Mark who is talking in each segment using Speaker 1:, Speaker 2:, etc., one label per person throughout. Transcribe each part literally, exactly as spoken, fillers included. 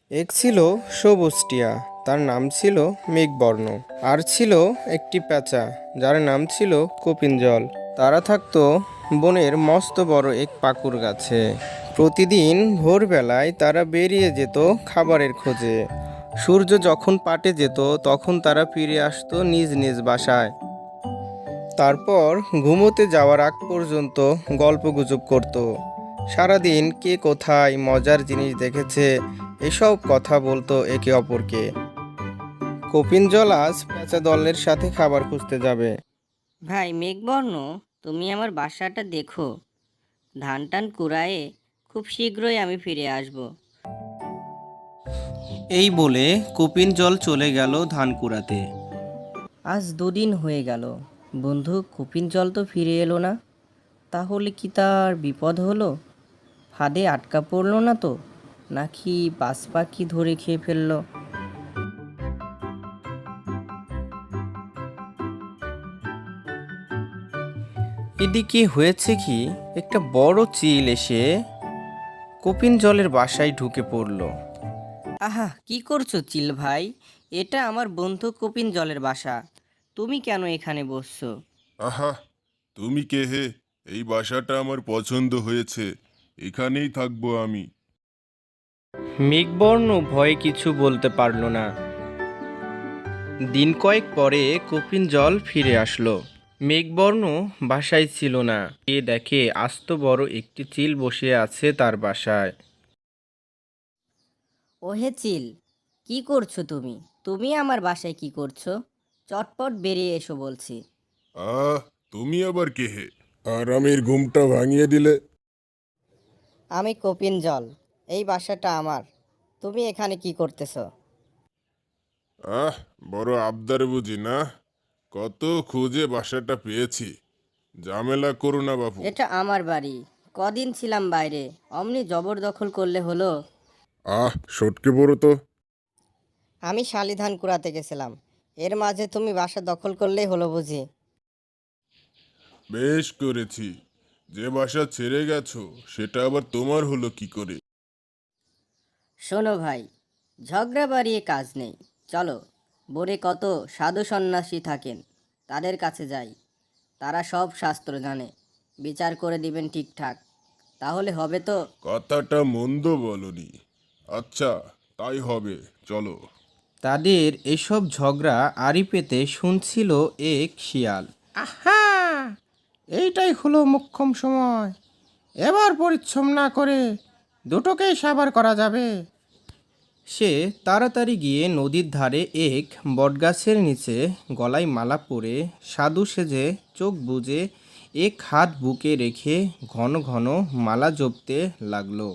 Speaker 1: এক ছিল সবুজ টিয়া, তার নাম ছিল মেঘবর্ণ। আর ছিল একটি পেঁচা, যার নাম ছিল কপিনজল। তারা থাকতো বনের মস্ত বড় এক পাকুর গাছে। প্রতিদিন ভোরবেলায় তারা বেরিয়ে যেত খাবারের খোঁজে। সূর্য যখন পাটে যেত তখন তারা ফিরে আসতো নিজ নিজ বাসায়। তারপর ঘুমোতে যাওয়ার আগ পর্যন্ত গল্পগুজব করত। সারাদিন কে কোথায় মজার জিনিস দেখেছে এসব কথা বলতো একে অপরকে। কপিন জল আজ পেঁচা দলের সাথে খাবার খুঁজতে যাবে।
Speaker 2: ভাই মেঘবর্ণ, তুমি আমার বাসাটা দেখো। ধান টান কুড়ায়ে খুব শীঘ্রই আমি ফিরে আসব।
Speaker 1: এই বলে কপিন জল চলে গেল ধান কুড়াতে।
Speaker 2: আজ দুদিন হয়ে গেল, বন্ধু কপিন জল তো ফিরে এলো না। তাহলে কি তার বিপদ হলো? ফাঁদে আটকা পড়লো না তো, নাকি বাজ পাখি ধরে খেয়ে ফেললো?
Speaker 1: এদিকে হয়েছে কি, একটা বড় চিল এসে কপিন জলের বাসায় ঢুকে পড়ল।
Speaker 2: আহা, কি করছো চিল ভাই? এটা আমার বন্ধু কপিন জলের বাসা। তুমি কেন এখানে বসছো?
Speaker 3: আহা, তুমি কে হে? এই বাসাটা আমার পছন্দ হয়েছে, এখানেই থাকবো আমি।
Speaker 1: মেঘবর্ণ ভয়ে কিছু বলতে পারল না। দিন কয়েক পরে কপিন জল ফিরে আসলো। মেঘবর্ণ বাসায় ছিল না। এ দেখে আস্ত বড় একটি চিল বসে আছে তার বাসায়।
Speaker 2: ওহে চিল, কি করছো তুমি? তুমি আমার বাসায় কি করছো? চটপট বেরিয়ে এসো বলছি।
Speaker 3: আহ, তুমি আবার কে হে? আরামের ঘুমটা ভাঙিয়ে দিলে।
Speaker 2: আমি কপিন জল, এই বাসাটা আমার। তুমি এখানে কি করতেছো?
Speaker 3: আহ, বড় আবদার বুঝি না? কত খুঁজে বাসাটা পেয়েছি। ঝামেলা করো না বাপু।
Speaker 2: এটা আমার বাড়ি। কদিন ছিলাম বাইরে, অমনি জবরদখল করলে হলো?
Speaker 3: আহ, সটকে পড়ো তো।
Speaker 2: আমি শালিধান কুড়াতে গেছিলাম, এর মাঝে তুমি বাসা দখল করলেই হলো বুঝি?
Speaker 3: বেশ করেছি। যে বাসা ছেড়ে গেছো সেটা আবার তোমার হলো কি করে?
Speaker 2: শোনো ভাই, ঝগড়া বাড়িয়ে কাজ নেই। চলো, বোরে কত সাধু সন্ন্যাসী থাকেন, তাদের কাছে যাই। তারা সব শাস্ত্র জানে, বিচার করে দিবেন ঠিকঠাক। তাহলে হবে তো?
Speaker 3: কথাটা মন্দ বলনি। আচ্ছা, তাই হবে, চলো।
Speaker 1: তাদের এসব ঝগড়া আড়ি পেতে শুনছিল এক শিয়াল। আহা, এইটাই হলো মোক্ষম সময়। এবার পরিশ্রম না করে দুটোকেই সাবার করা যাবে। সে তাড়াতাড়ি গিয়ে নদীর ধারে এক বটগাছের নিচে গলায় মালা পরে সাধু সেজে চোখ বুজে এক হাত বুকে রেখে ঘন ঘন মালা জপতে লাগলো।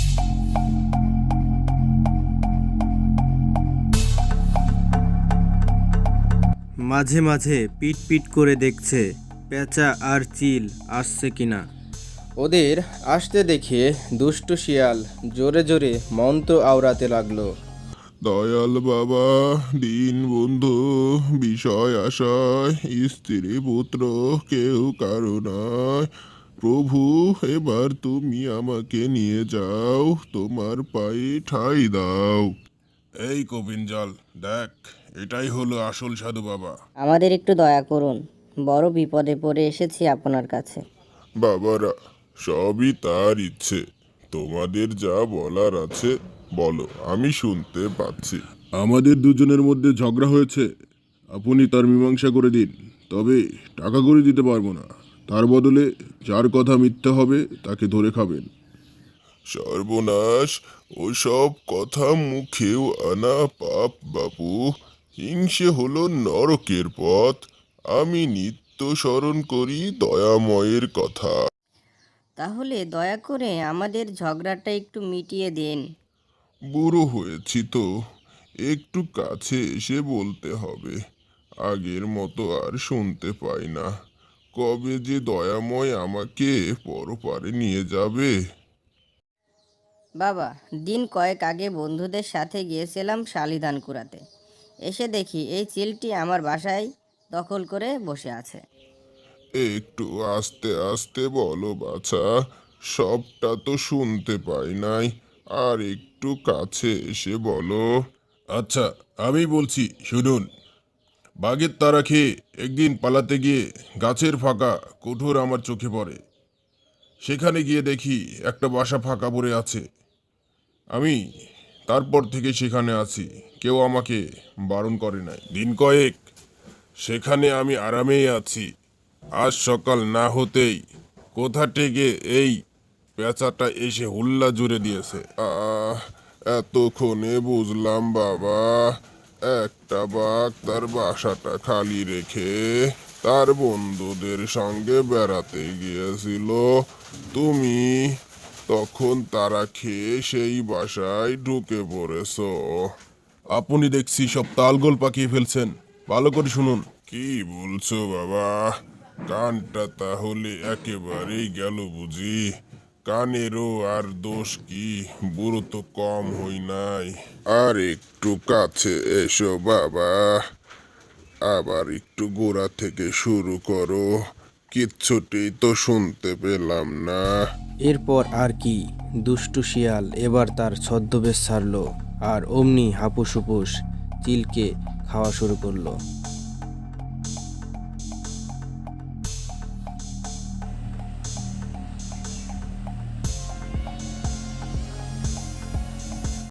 Speaker 1: মাঝে মাঝে পিট পিট করে দেখছে পেঁচা আর চিল আসছে কিনা। ওদের আসতে দেখে দুষ্টু শিয়াল জোরে জোরে মন্ত্র আওড়াতে লাগলো।
Speaker 3: দয়াল বাবা, দিন বন্ধু, বিষয় আশায় স্ত্রী পুত্র কেউ কারো নয়। প্রভু, এবার তুমি আমাকে নিয়ে যাও, তোমার পায়ে ঠাঁই দাও। এই কপিনজল, দেখ, এটাই হলো আসল সাধু বাবা।
Speaker 2: আমাদের একটু দয়া করুন, বড় বিপদে পড়ে এসেছি আপনার কাছে।
Speaker 3: বাবারা, সবই তার ইচ্ছে। তোমাদের যা বলার আছে বলো, আমি শুনতে পাচ্ছি। আমাদের দুজনের মধ্যে ঝগড়া হয়েছে, আপনি তার মীমাংসা করে দিন। তবে টাকা করে দিতে পারবো না। তার বদলে যার কথা মিথ্যা হবে তাকে ধরে খাবেন। সর্বনাশ, ওসব কথা মুখেও আনা পাপ বাপু। হিংসে হলো নরকের পথ। আমি নিত্য স্মরণ করি দয়াময়ের কথা।
Speaker 2: তাহলে দয়া করে আমাদের ঝগড়াটা একটু মিটিয়ে দিন।
Speaker 3: বুড়ো হয়েছি তো, একটু কাছে এসে বলতে হবে। আগের মতো আর শুনতে পাই না। কবে যে দয়াময় আমাকে পরপারে নিয়ে যাবে।
Speaker 2: বাবা, দিন কয়েক আগে বন্ধুদের সাথে গিয়েছিলাম শালিধান কুড়াতে। এসে দেখি এই চিলটি আমার বাসায় দখল করে বসে আছে।
Speaker 3: একটু আস্তে আস্তে বলো বাছা, সবটা তো শুনতে পাই নাই। আর একটু কাছে এসে বলো। আচ্ছা, আমি বলছি শুনুন। বাঘের তাড়া খেয়ে একদিন পালাতে গিয়ে গাছের ফাঁকা কোঠর আমার চোখে পড়ে। সেখানে গিয়ে দেখি একটা বাসা ফাঁকা পড়ে আছে। আমি তারপর থেকে সেখানে আছি, কেউ আমাকে বারণ করে নাই। দিন কয়েক সেখানে আমি আরামেই আছি। আজ সকাল না হতেই কোথা থেকে এই পেঁচাটা এসে হুল্লা জুড়ে দিয়েছে। আহ এতক্ষণে বুঝলাম বাবা, একটা বাঘ তার বাসাটা খালি রেখে তার বন্ধুদের সঙ্গে বেড়াতে গিয়েছিল। তুমি তখন তারা খেয়ে সেই বাসায় ঢুকে পড়েছো। আপনি দেখছি সব তালগোল পাকিয়ে ফেলছেন, ভালো করে শুনুন। কি বলছো বাবা? কানটা তাহলে একেবারেই গেল বুঝি? কানেরও আর দোষ কি, বুড়ো তো কম হই নাই। আর একটু কাছে এসো বাবা, আবার একটু গোড়া থেকে শুরু করো। কিচ্ছুটি তো শুনতে পেলাম না।
Speaker 1: এরপর আর কি, দুষ্টু শিয়াল এবার তার ছদ্মবেশ ছাড়লো আর অমনি হাপুস হুপুস চিলকে খাওয়া শুরু করলো।